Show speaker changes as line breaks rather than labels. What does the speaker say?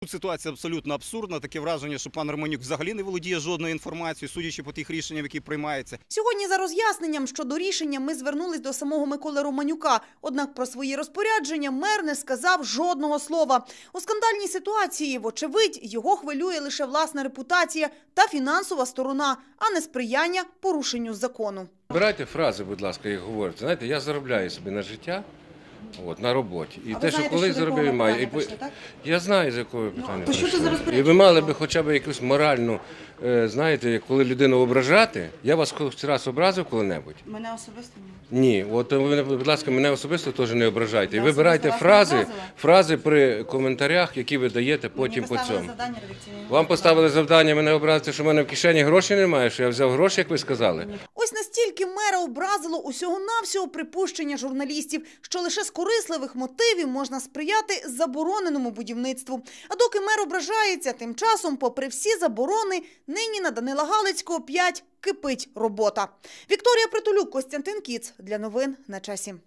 Тут ситуація абсолютно абсурдна. Таке враження, що пан Романюк взагалі не володіє жодною інформацією, судячи по тих рішеннях, які приймаються.
Сьогодні за роз'ясненням щодо рішення ми звернулись до самого Миколи Романюка. Однак про свої розпорядження мер не сказав жодного слова. У скандальній ситуації, вочевидь, його хвилює лише власна репутація та фінансова сторона, а не сприяння порушенню закону.
Збирайте фрази, будь ласка, як говорите. Знаєте, я заробляю собі на життя. На роботі. І те, що колись заробив, маю. Я знаю, з якого питання прийшло. І ви мали б хоча б якусь моральну, знаєте, коли людину ображати. Я вас хоч раз образив коли-небудь?
Мене особисто ні.
Ні. От ви, будь ласка, мене особисто теж не ображайте. І вибирайте фрази при коментарях, які ви даєте потім по цьому. Вам поставили завдання мене образити, що в мене в кишені грошей немає, що я взяв гроші, як ви сказали.
Ось настільки мера образило усього-навсього припущення журналістів, що лише з корисливих мотивів можна сприяти забороненому будівництву. А доки мер ображається, тим часом, попри всі заборони, нині на Данила Галицького 5 кипить робота. Вікторія Притулюк, Костянтин Кіц. Для новин на часі.